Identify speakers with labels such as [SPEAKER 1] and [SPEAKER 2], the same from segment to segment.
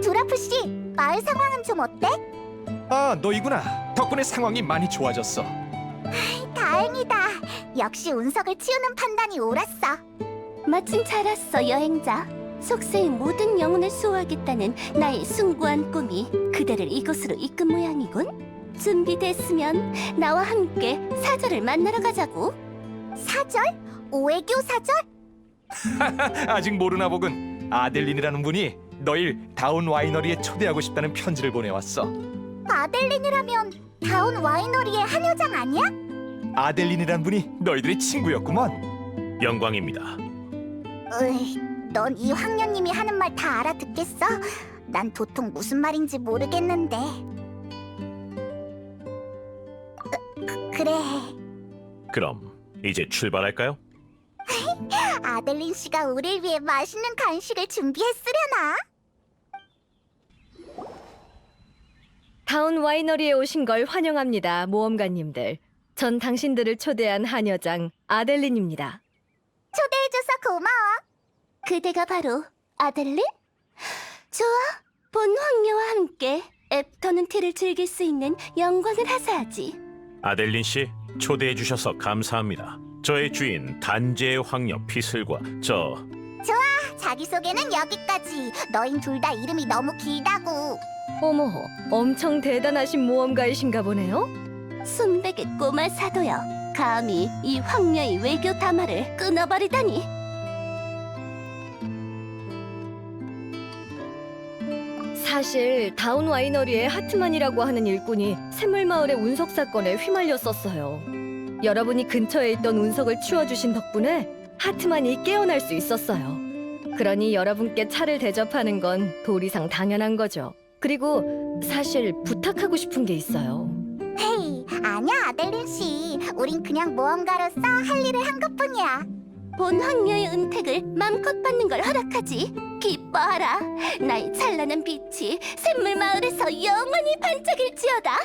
[SPEAKER 1] 두라프 씨, 마을 상황은 좀 어때?
[SPEAKER 2] 아, 너희구나. 덕분에 상황이 많이 좋아졌어.
[SPEAKER 1] 다행이다. 역시 운석을 치우는 판단이 옳았어.
[SPEAKER 3] 마침 잘 왔어, 여행자. 속세의 모든 영혼을 수호하겠다는 나의 숭고한 꿈이 그대를 이곳으로 이끈 모양이군. 준비됐으면 나와 함께 사절을 만나러 가자고.
[SPEAKER 1] 사절? 오해교 사절?
[SPEAKER 2] 아직 모르나 보군. 아델린이라는 분이 너희 다운 와이너리에 초대하고 싶다는 편지를 보내왔어.
[SPEAKER 1] 아델린이라면 다운 와이너리의 한 여장 아니야?
[SPEAKER 2] 아델린이라는 분이 너희들의 친구였구먼.
[SPEAKER 4] 영광입니다.
[SPEAKER 1] 으이, 넌 이 황녀님이 하는 말 다 알아듣겠어? 난 도통 무슨 말인지 모르겠는데. 그래,
[SPEAKER 4] 그럼 이제 출발할까요?
[SPEAKER 1] 아델린 씨가 우릴 위해 맛있는 간식을 준비했으려나?
[SPEAKER 5] 다운 와이너리에 오신 걸 환영합니다, 모험가님들. 전 당신들을 초대한 한여장 아델린입니다.
[SPEAKER 1] 초대해줘서 고마워.
[SPEAKER 3] 그대가 바로 아델린? 좋아, 본 황녀와 함께 애프터눈 티를 즐길 수 있는 영광을 하사하지.
[SPEAKER 4] 아델린 씨, 초대해 주셔서 감사합니다. 저의 주인 단재의 황녀 피슬과
[SPEAKER 1] 자기소개는 여기까지. 너흰 둘 다 이름이 너무 길다고.
[SPEAKER 5] 어머, 엄청 대단하신 모험가이신가 보네요?
[SPEAKER 3] 순백의 꼬마 사도여, 감히 이 황녀의 외교 담화를 끊어버리다니.
[SPEAKER 5] 사실 다운 와이너리의 하트만이라고 하는 일꾼이 샘물마을의 운석 사건에 휘말렸었어요. 여러분이 근처에 있던 운석을 치워주신 덕분에 하트만이 깨어날 수 있었어요. 그러니 여러분께 차를 대접하는 건 도리상 당연한 거죠. 그리고 사실 부탁하고 싶은 게 있어요.
[SPEAKER 1] 헤이, 아니야 아델린 씨. 우린 그냥 모험가로서 할 일을 한 것뿐이야.
[SPEAKER 3] 본 황녀의 은택을 맘껏 받는 걸 허락하지. 기뻐하라. 나의 찬란한 빛이 샘물 마을에서 영원히 반짝일지어다.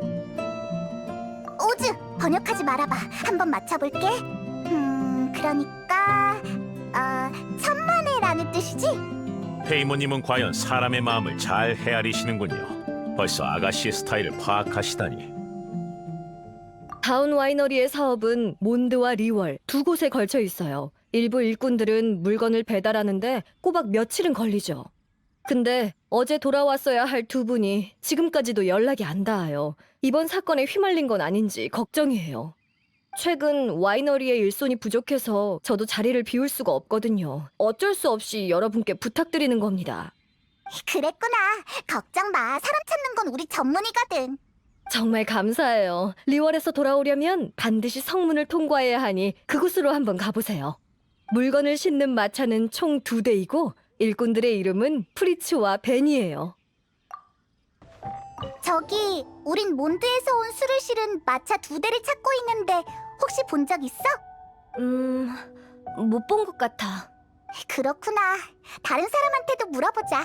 [SPEAKER 1] 오즈, 번역하지 말아봐. 한번 맞춰볼게. 그러니까 천만에라는 뜻이지?
[SPEAKER 4] 페이모님은 과연 사람의 마음을 잘 헤아리시는군요. 벌써 아가씨의 스타일을 파악하시다니.
[SPEAKER 5] 다운 와이너리의 사업은 몬드와 리월 두 곳에 걸쳐 있어요. 일부 일꾼들은 물건을 배달하는데 꼬박 며칠은 걸리죠. 근데 어제 돌아왔어야 할 두 분이 지금까지도 연락이 안 닿아요. 이번 사건에 휘말린 건 아닌지 걱정이에요. 최근 와이너리의 일손이 부족해서 저도 자리를 비울 수가 없거든요. 어쩔 수 없이 여러분께 부탁드리는 겁니다.
[SPEAKER 1] 그랬구나. 걱정 마. 사람 찾는 건 우리 전문이거든.
[SPEAKER 5] 정말 감사해요. 리월에서 돌아오려면 반드시 성문을 통과해야 하니 그곳으로 한번 가보세요. 물건을 싣는 마차는 총 2대이고 일꾼들의 이름은 프리츠와 벤이에요.
[SPEAKER 1] 저기, 우린 몬드에서 온 술을 실은 마차 2대를 찾고 있는데 혹시 본 적 있어?
[SPEAKER 5] 못 본 것 같아.
[SPEAKER 1] 그렇구나. 다른 사람한테도 물어보자.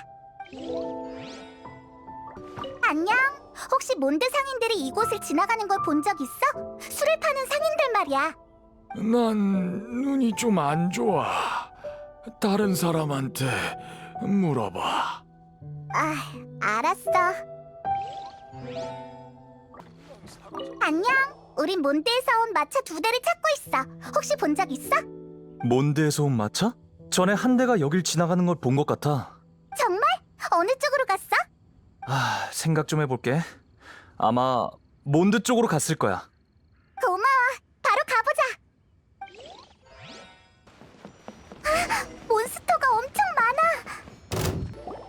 [SPEAKER 1] 안녕. 혹시 몬드 상인들이 이곳을 지나가는 걸 본 적 있어? 술을 파는 상인들 말이야.
[SPEAKER 6] 난 눈이 좀 안 좋아. 다른 사람한테 물어봐.
[SPEAKER 1] 아, 알았어. 안녕. 우린 몬드에서 온 마차 2대를 찾고 있어. 혹시 본 적 있어?
[SPEAKER 7] 몬드에서 온 마차? 전에 한 대가 여길 지나가는 걸 본 것 같아.
[SPEAKER 1] 정말? 어느 쪽으로 갔어?
[SPEAKER 7] 생각 좀 해볼게. 아마 몬드 쪽으로 갔을 거야.
[SPEAKER 1] 고마워. 바로 가보자. 몬스터가 엄청 많아.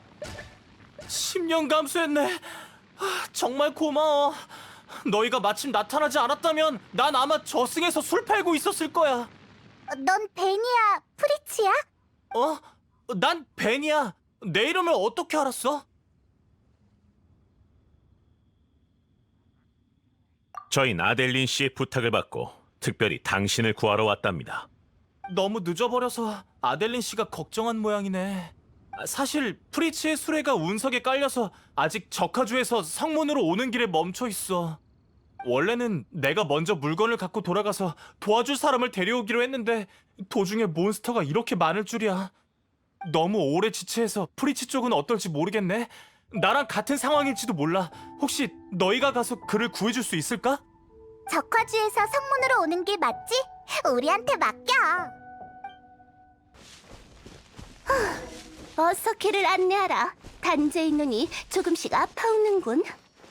[SPEAKER 8] 10년 감수했네. 정말 고마워. 너희가 마침 나타나지 않았다면 난 아마 저승에서 술 팔고 있었을 거야.
[SPEAKER 1] 넌 베니야, 프리치야?
[SPEAKER 8] 어? 난 벤이야. 내 이름을 어떻게 알았어?
[SPEAKER 4] 저희 아델린 씨의 부탁을 받고 특별히 당신을 구하러 왔답니다.
[SPEAKER 8] 너무 늦어버려서 아델린 씨가 걱정한 모양이네. 사실 프리츠의 수레가 운석에 깔려서 아직 적하주에서 성문으로 오는 길에 멈춰 있어. 원래는 내가 먼저 물건을 갖고 돌아가서 도와줄 사람을 데려오기로 했는데 도중에 몬스터가 이렇게 많을 줄이야. 너무 오래 지체해서 프리치 쪽은 어떨지 모르겠네. 나랑 같은 상황일지도 몰라. 혹시 너희가 가서 그를 구해줄 수 있을까?
[SPEAKER 1] 적화주에서 성문으로 오는 길 맞지? 우리한테 맡겨.
[SPEAKER 3] 어서 길을 안내하라. 단죄의 눈이 조금씩 아파오는군.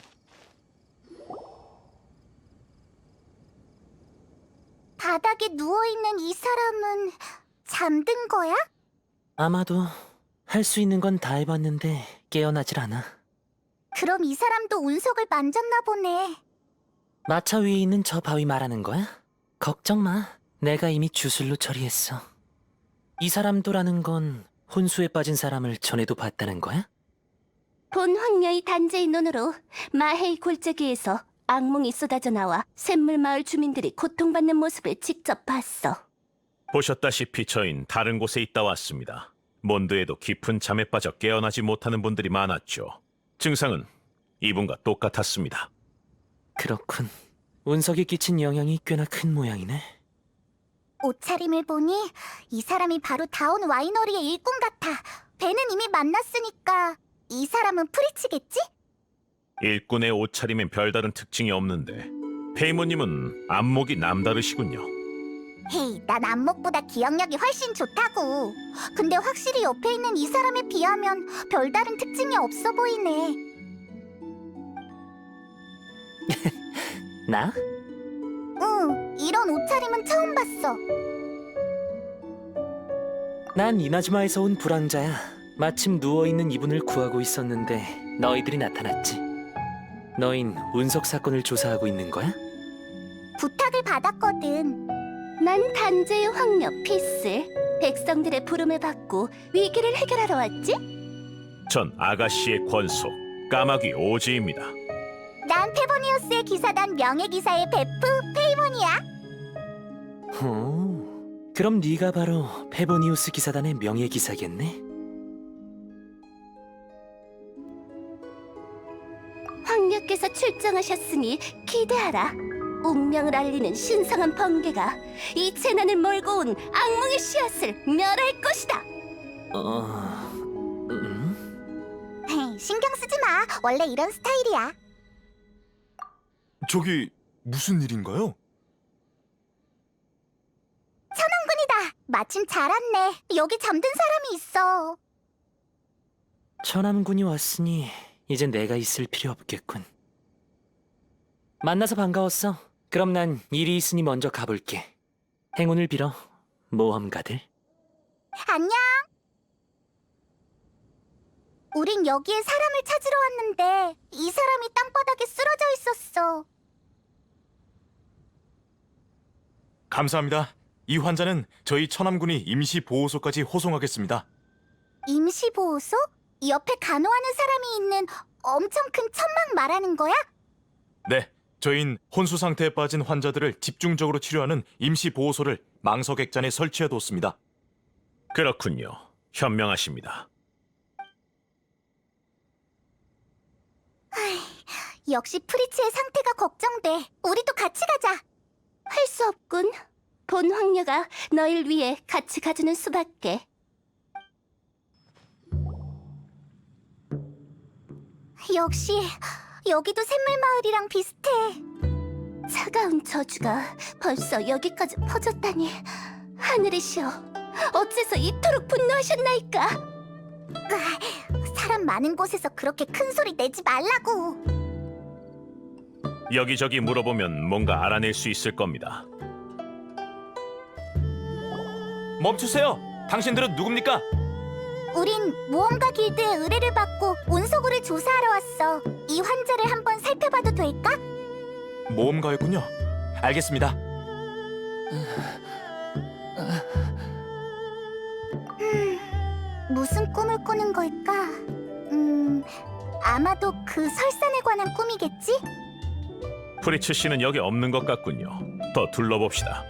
[SPEAKER 1] 바닥에 누워있는 이 사람은 잠든 거야?
[SPEAKER 9] 아마도 할 수 있는 건 다 해봤는데 깨어나질 않아.
[SPEAKER 1] 그럼 이 사람도 운석을 만졌나 보네.
[SPEAKER 9] 마차 위에 있는 저 바위 말하는 거야? 걱정 마. 내가 이미 주술로 처리했어. 이 사람도라는 건 혼수에 빠진 사람을 전에도 봤다는 거야?
[SPEAKER 3] 본 황녀의 단죄의 눈으로 마헤이 골짜기에서 악몽이 쏟아져 나와 샘물마을 주민들이 고통받는 모습을 직접 봤어.
[SPEAKER 4] 보셨다시피 저흰 다른 곳에 있다 왔습니다. 몬드에도 깊은 잠에 빠져 깨어나지 못하는 분들이 많았죠. 증상은 이분과 똑같았습니다.
[SPEAKER 9] 그렇군. 운석이 끼친 영향이 꽤나 큰 모양이네.
[SPEAKER 1] 옷차림을 보니 이 사람이 바로 다운 와이너리의 일꾼 같아. 배는 이미 만났으니까 이 사람은 프리치겠지?
[SPEAKER 4] 일꾼의 옷차림엔 별다른 특징이 없는데 페이모님은 안목이 남다르시군요.
[SPEAKER 1] 헤이, 난 안목보다 기억력이 훨씬 좋다고. 근데 확실히 옆에 있는 이 사람에 비하면 별다른 특징이 없어 보이네.
[SPEAKER 9] 나?
[SPEAKER 1] 응, 이런 옷차림은 처음 봤어.
[SPEAKER 9] 난 이나즈마에서 온 불황자야. 마침 누워있는 이분을 구하고 있었는데 너희들이 나타났지. 너흰 운석 사건을 조사하고 있는 거야?
[SPEAKER 1] 부탁을 받았거든.
[SPEAKER 3] 난 단죄의 황녀 피슬. 백성들의 부름을 받고 위기를 해결하러 왔지?
[SPEAKER 4] 전 아가씨의 권속 까마귀 오지입니다.
[SPEAKER 1] 난 페보니우스의 기사단 명예기사의 베프 페이몬이야.
[SPEAKER 9] 그럼 네가 바로 페보니우스 기사단의 명예기사겠네?
[SPEAKER 3] 황녀께서 출정하셨으니 기대하라. 운명을 알리는 신성한 번개가 이 재난을 몰고 온 악몽의 씨앗을 멸할 것이다.
[SPEAKER 1] 헤이, 신경 쓰지 마. 원래 이런 스타일이야.
[SPEAKER 6] 저기 무슨 일인가요?
[SPEAKER 1] 천왕군이다. 마침 잘 왔네. 여기 잠든 사람이 있어.
[SPEAKER 9] 천암군이 왔으니 이젠 내가 있을 필요 없겠군. 만나서 반가웠어. 그럼 난 일이 있으니 먼저 가볼게. 행운을 빌어, 모험가들.
[SPEAKER 1] 안녕. 우린 여기에 사람을 찾으러 왔는데 이 사람이 땅바닥에 쓰러져 있었어.
[SPEAKER 2] 감사합니다. 이 환자는 저희 천암군이 임시 보호소까지 호송하겠습니다.
[SPEAKER 1] 임시보호소? 옆에 간호하는 사람이 있는 엄청 큰 천막 말하는 거야?
[SPEAKER 2] 네, 저희는 혼수 상태에 빠진 환자들을 집중적으로 치료하는 임시 보호소를 망석액잔에 설치해뒀습니다.
[SPEAKER 4] 그렇군요. 현명하십니다.
[SPEAKER 1] 역시 프리츠의 상태가 걱정돼. 우리도 같이 가자.
[SPEAKER 3] 할 수 없군. 본 황녀가 너희를 위해 같이 가주는 수밖에.
[SPEAKER 1] 역시 여기도 샘물마을이랑 비슷해.
[SPEAKER 3] 차가운 저주가 벌써 여기까지 퍼졌다니. 하늘이시여, 어째서 이토록 분노하셨나이까?
[SPEAKER 1] 사람 많은 곳에서 그렇게 큰 소리 내지 말라고.
[SPEAKER 4] 여기저기 물어보면 뭔가 알아낼 수 있을 겁니다.
[SPEAKER 2] 멈추세요! 당신들은 누굽니까?
[SPEAKER 1] 우린 모험가 길드의 의뢰를 받고 운석우를 조사하러 왔어. 이 환자를 한번 살펴봐도 될까?
[SPEAKER 2] 모험가였군요. 알겠습니다.
[SPEAKER 1] 무슨 꿈을 꾸는 걸까? 아마도 그 설산에 관한 꿈이겠지?
[SPEAKER 4] 프리츠 씨는 여기 없는 것 같군요. 더 둘러봅시다.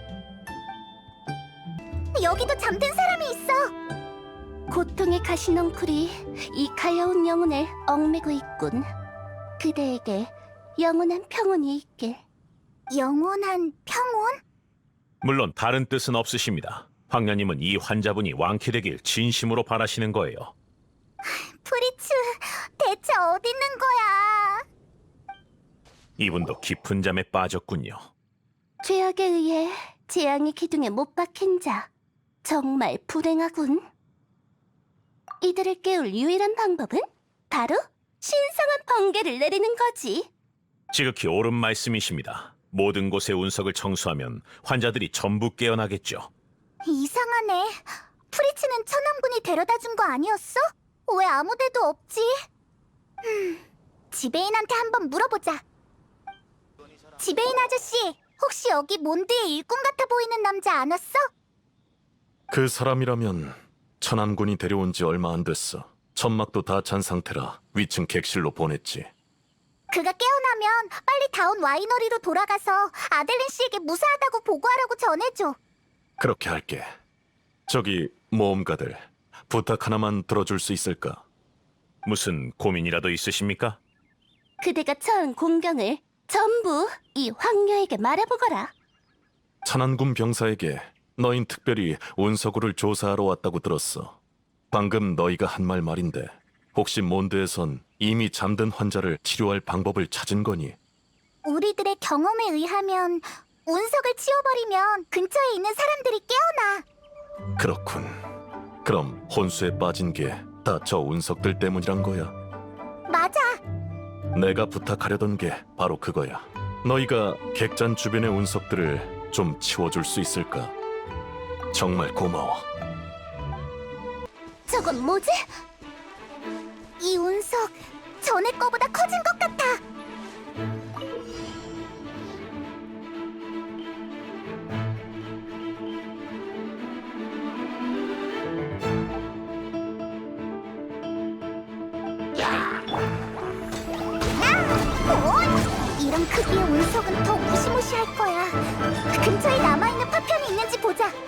[SPEAKER 1] 여기도 잠든 사람이 있어.
[SPEAKER 3] 고통의 가시넝쿨이 이 가여운 영혼을 얽매고 있군. 그대에게 영원한 평온이 있길.
[SPEAKER 1] 영원한 평온?
[SPEAKER 4] 물론 다른 뜻은 없으십니다. 황녀님은 이 환자분이 완쾌되길 진심으로 바라시는 거예요.
[SPEAKER 1] 프리츠, 대체 어디 있는 거야?
[SPEAKER 4] 이분도 깊은 잠에 빠졌군요.
[SPEAKER 3] 죄악에 의해 재앙의 기둥에 못 박힌 자. 정말 불행하군. 이들을 깨울 유일한 방법은 바로 신성한 번개를 내리는 거지.
[SPEAKER 4] 지극히 옳은 말씀이십니다. 모든 곳의 운석을 청소하면 환자들이 전부 깨어나겠죠.
[SPEAKER 1] 이상하네. 프리츠는 천왕군이 데려다 준 거 아니었어? 왜 아무 데도 없지? 지배인한테 한번 물어보자. 지배인 아저씨, 혹시 여기 몬드의 일꾼 같아 보이는 남자 안 왔어?
[SPEAKER 10] 그 사람이라면 천안군이 데려온 지 얼마 안 됐어. 천막도 다 찬 상태라 위층 객실로 보냈지.
[SPEAKER 1] 그가 깨어나면 빨리 다운 와이너리로 돌아가서 아델린 씨에게 무사하다고 보고하라고 전해줘.
[SPEAKER 10] 그렇게 할게. 저기 모험가들, 부탁 하나만 들어줄 수 있을까?
[SPEAKER 4] 무슨 고민이라도 있으십니까?
[SPEAKER 3] 그대가 처한 공경을 전부 이 황녀에게 말해보거라.
[SPEAKER 10] 천안군 병사에게 너흰 특별히 운석우를 조사하러 왔다고 들었어. 방금 너희가 한 말인데 혹시 몬드에선 이미 잠든 환자를 치료할 방법을 찾은 거니?
[SPEAKER 1] 우리들의 경험에 의하면 운석을 치워버리면 근처에 있는 사람들이 깨어나.
[SPEAKER 10] 그렇군. 그럼 혼수에 빠진 게 다 저 운석들 때문이란 거야.
[SPEAKER 1] 맞아.
[SPEAKER 10] 내가 부탁하려던 게 바로 그거야. 너희가 객잔 주변의 운석들을 좀 치워줄 수 있을까? 정말 고마워.
[SPEAKER 3] 저건 뭐지?
[SPEAKER 1] 이 운석 전에 거보다 커진 것 같아. 이런 크기의 운석은 더 무시무시할 거야. 근처에 남아있는 파편이 있는지 보자. 에?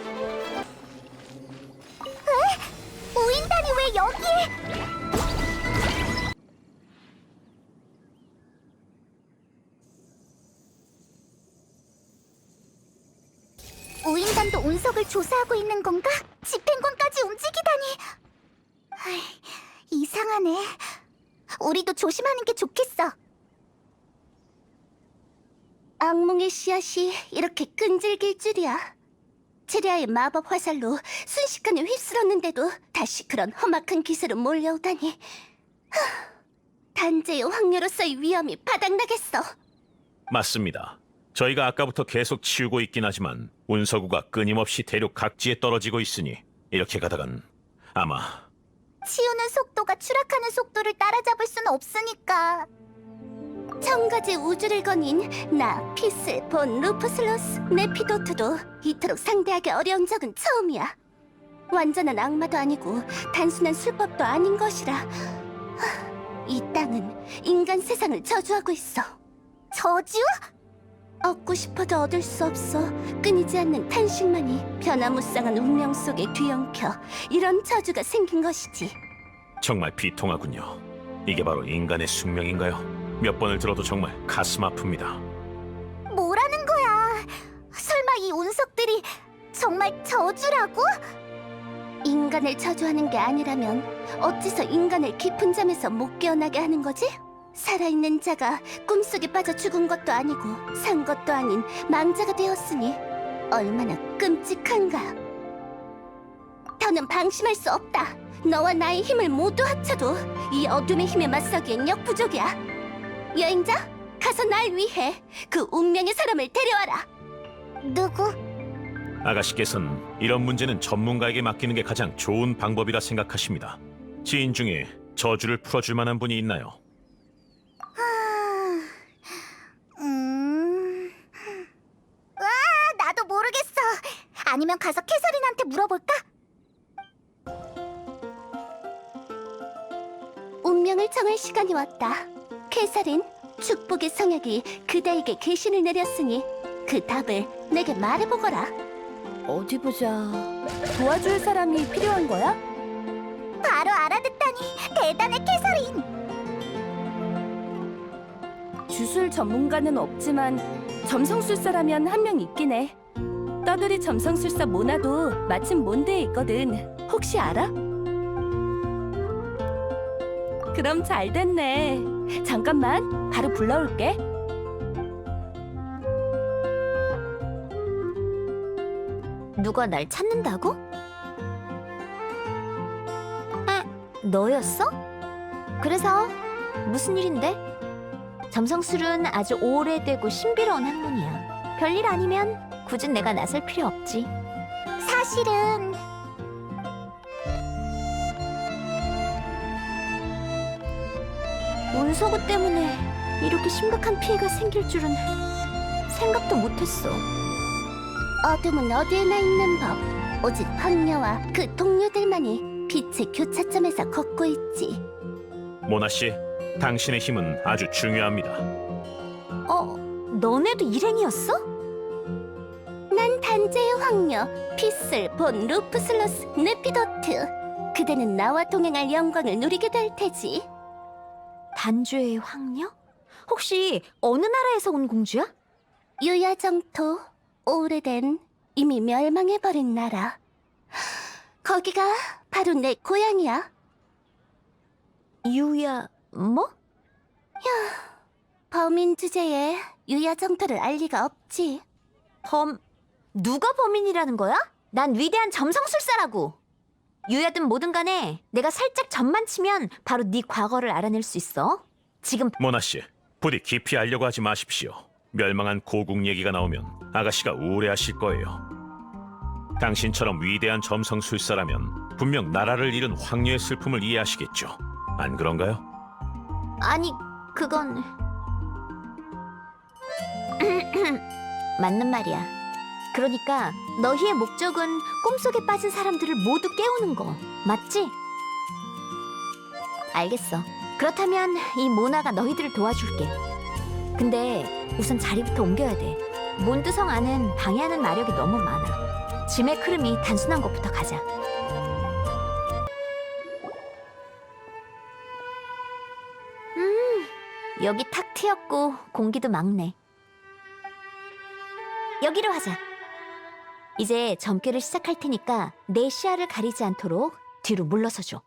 [SPEAKER 1] 우인단이 왜 여기에? 우인단도 운석을 조사하고 있는 건가? 집행관까지 움직이다니. 아이, 이상하네. 우리도 조심하는 게 좋겠어.
[SPEAKER 3] 악몽의 씨앗이 이렇게 끈질길 줄이야. 체리아의 마법 화살로 순식간에 휩쓸었는데도 다시 그런 험악한 기세로 몰려오다니. 단재의 황녀로서의 위험이 바닥나겠어.
[SPEAKER 4] 맞습니다. 저희가 아까부터 계속 치우고 있긴 하지만 운석우가 끊임없이 대륙 각지에 떨어지고 있으니 이렇게 가다간 아마
[SPEAKER 1] 치우는 속도가 추락하는 속도를 따라잡을 순 없으니까.
[SPEAKER 3] 천가지 우주를 거닌 나 피스 본 루프슬로스 네피도트도 이토록 상대하기 어려운 적은 처음이야. 완전한 악마도 아니고 단순한 술법도 아닌 것이라. 이 땅은 인간 세상을 저주하고 있어.
[SPEAKER 1] 저주?
[SPEAKER 3] 얻고 싶어도 얻을 수 없어 끊이지 않는 탄식만이 변화무쌍한 운명 속에 뒤엉켜 이런 저주가 생긴 것이지.
[SPEAKER 4] 정말 비통하군요. 이게 바로 인간의 숙명인가요? 몇 번을 들어도 정말 가슴 아픕니다.
[SPEAKER 1] 뭐라는 거야? 설마 이 운석들이 정말 저주라고?
[SPEAKER 3] 인간을 저주하는 게 아니라면 어째서 인간을 깊은 잠에서 못 깨어나게 하는 거지? 살아있는 자가 꿈속에 빠져 죽은 것도 아니고 산 것도 아닌 망자가 되었으니 얼마나 끔찍한가. 더는 방심할 수 없다. 너와 나의 힘을 모두 합쳐도 이 어둠의 힘에 맞서기엔 역부족이야. 여행자, 가서 날 위해 그 운명의 사람을 데려와라.
[SPEAKER 1] 누구?
[SPEAKER 4] 아가씨께서는 이런 문제는 전문가에게 맡기는 게 가장 좋은 방법이라 생각하십니다. 지인 중에 저주를 풀어줄 만한 분이 있나요?
[SPEAKER 1] 나도 모르겠어. 아니면 가서 캐서린한테 물어볼까?
[SPEAKER 3] 운명을 정할 시간이 왔다. 캐서린, 축복의 성약이 그대에게 계신을 내렸으니 그 답을 내게 말해보거라.
[SPEAKER 5] 어디 보자. 도와줄 사람이 필요한 거야?
[SPEAKER 1] 바로 알아듣다니 대단해, 캐서린.
[SPEAKER 5] 주술 전문가는 없지만 점성술사라면 한 명 있긴 해.
[SPEAKER 3] 떠돌이 점성술사 모나도 마침 몬드에 있거든. 혹시 알아? 그럼 잘 됐네. 잠깐만, 바로 불러올게.
[SPEAKER 1] 누가 날 찾는다고? 너였어? 그래서 무슨 일인데? 점성술은 아주 오래되고 신비로운 학문이야. 별일 아니면 굳이 내가 나설 필요 없지. 사실은 운서구 때문에 이렇게 심각한 피해가 생길 줄은 생각도 못했어. 어둠은 어디에나 있는 법. 오직 황녀와 그 동료들만이 빛의 교차점에서 걷고 있지.
[SPEAKER 4] 모나 씨, 당신의 힘은 아주 중요합니다.
[SPEAKER 1] 너네도 일행이었어? 난 단죄의 황녀 피슬 본 루프슬러스 네피도트. 그대는 나와 동행할 영광을 누리게 될 테지. 단죄의 황녀? 혹시 어느 나라에서 온 공주야? 유야정토. 오래된 이미 멸망해버린 나라. 거기가 바로 내 고향이야. 유야 뭐? 범인 주제에 유야정토를 알 리가 없지. 누가 범인이라는 거야? 난 위대한 점성술사라고. 유야든 뭐든 간에 내가 살짝 점만 치면 바로 네 과거를 알아낼 수 있어. 지금
[SPEAKER 4] 모나 씨, 부디 깊이 알려고 하지 마십시오. 멸망한 고국 얘기가 나오면 아가씨가 우울해하실 거예요. 당신처럼 위대한 점성술사라면 분명 나라를 잃은 황녀의 슬픔을 이해하시겠죠. 안 그런가요?
[SPEAKER 1] 아니 그건 맞는 말이야. 그러니까 너희의 목적은 꿈속에 빠진 사람들을 모두 깨우는 거 맞지? 알겠어. 그렇다면 이 모나가 너희들을 도와줄게. 근데 우선 자리부터 옮겨야 돼. 몬드성 안은 방해하는 마력이 너무 많아. 짐의 흐름이 단순한 것부터 가자. 여기 탁 트였고 공기도 맑네. 여기로 하자. 이제 점괘를 시작할 테니까 내 시야를 가리지 않도록 뒤로 물러서줘.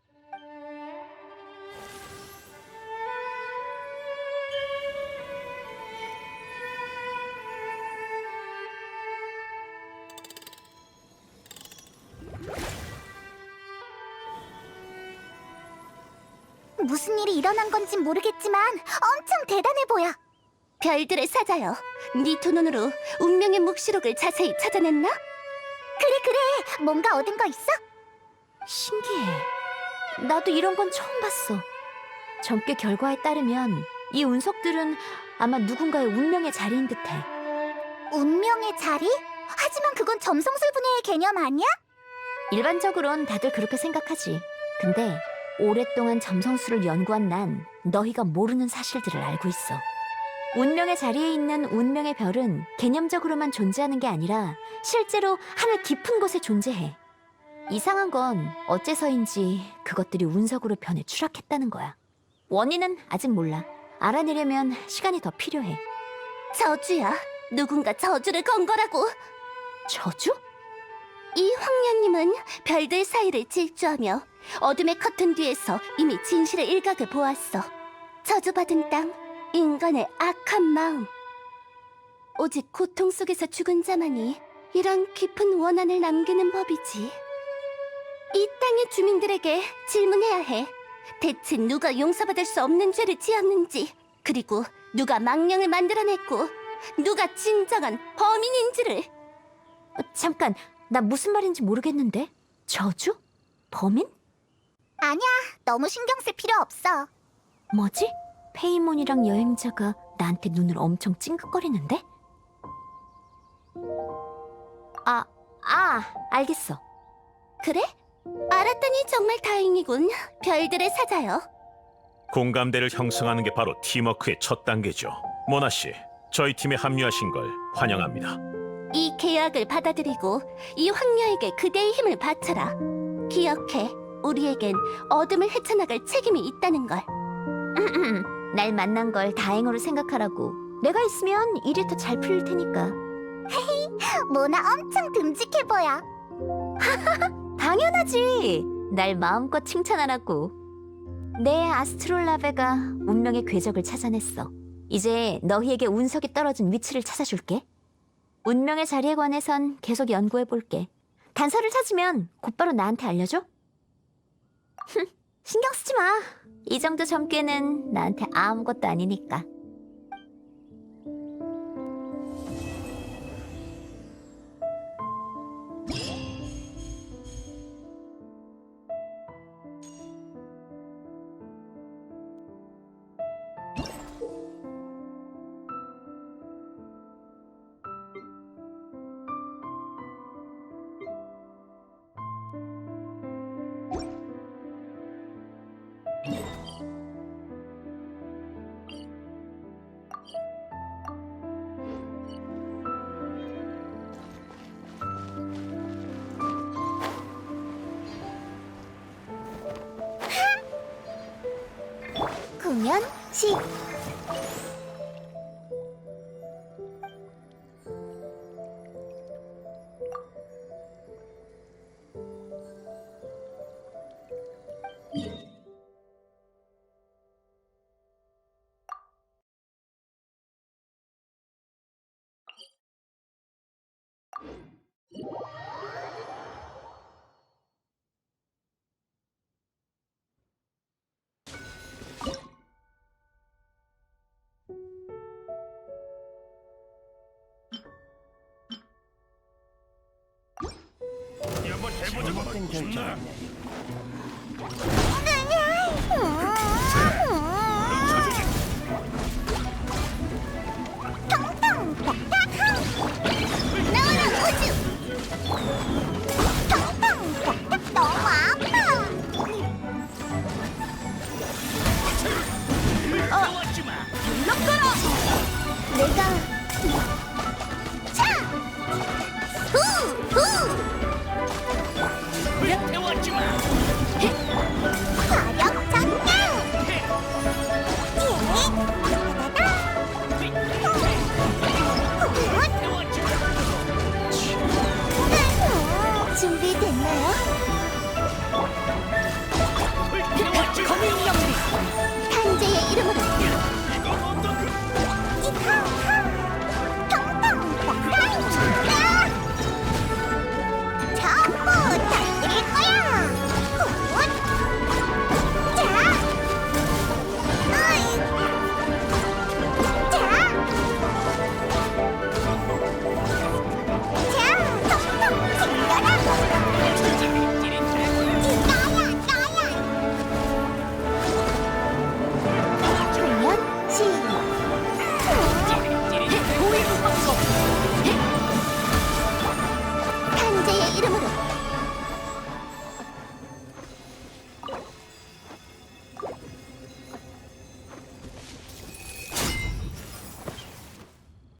[SPEAKER 1] 무슨 일이 일어난 건지 모르겠지만 엄청 대단해 보여. 별들의 사자여, 네 두 눈으로 운명의 묵시록을 자세히 찾아냈나? 그래, 뭔가 얻은 거 있어? 신기해. 나도 이런 건 처음 봤어. 점괘 결과에 따르면 이 운석들은 아마 누군가의 운명의 자리인 듯해. 운명의 자리? 하지만 그건 점성술 분야의 개념 아니야? 일반적으론 다들 그렇게 생각하지. 근데 오랫동안 점성술을 연구한 난 너희가 모르는 사실들을 알고 있어. 운명의 자리에 있는 운명의 별은 개념적으로만 존재하는 게 아니라 실제로 하늘 깊은 곳에 존재해. 이상한 건 어째서인지 그것들이 운석으로 변해 추락했다는 거야. 원인은 아직 몰라. 알아내려면 시간이 더 필요해. 저주야. 누군가 저주를 건 거라고. 저주? 이 황녀님은 별들 사이를 질주하며 어둠의 커튼 뒤에서 이미 진실의 일각을 보았어. 저주받은 땅, 인간의 악한 마음. 오직 고통 속에서 죽은 자만이 이런 깊은 원한을 남기는 법이지. 이 땅의 주민들에게 질문해야 해. 대체 누가 용서받을 수 없는 죄를 지었는지, 그리고 누가 망령을 만들어냈고 누가 진정한 범인인지를. 잠깐, 나 무슨 말인지 모르겠는데? 저주? 범인? 아니야, 너무 신경 쓸 필요 없어. 뭐지? 페이몬이랑 여행자가 나한테 눈을 엄청 찡긋거리는데? 알겠어. 그래? 알았다니 정말 다행이군. 별들의 사자요.
[SPEAKER 4] 공감대를 형성하는 게 바로 팀워크의 첫 단계죠. 모나 씨, 저희 팀에 합류하신 걸 환영합니다.
[SPEAKER 1] 이 계약을 받아들이고 이 황녀에게 그대의 힘을 바쳐라. 기억해, 우리에겐 어둠을 헤쳐나갈 책임이 있다는 걸. 날 만난 걸 다행으로 생각하라고. 내가 있으면 일이 더 잘 풀릴 테니까. 모나 엄청 듬직해 보여.
[SPEAKER 3] 당연하지. 날 마음껏 칭찬하라고. 내 아스트롤라베가 운명의 궤적을 찾아냈어. 이제 너희에게 운석이 떨어진 위치를 찾아줄게. 운명의 자리에 관해선 계속 연구해볼게. 단서를 찾으면 곧바로 나한테 알려줘. 신경 쓰지 마. 이 정도 점괘는 나한테 아무것도 아니니까.
[SPEAKER 1] 공연 시. 준비됐나요?
[SPEAKER 5] 거미 인형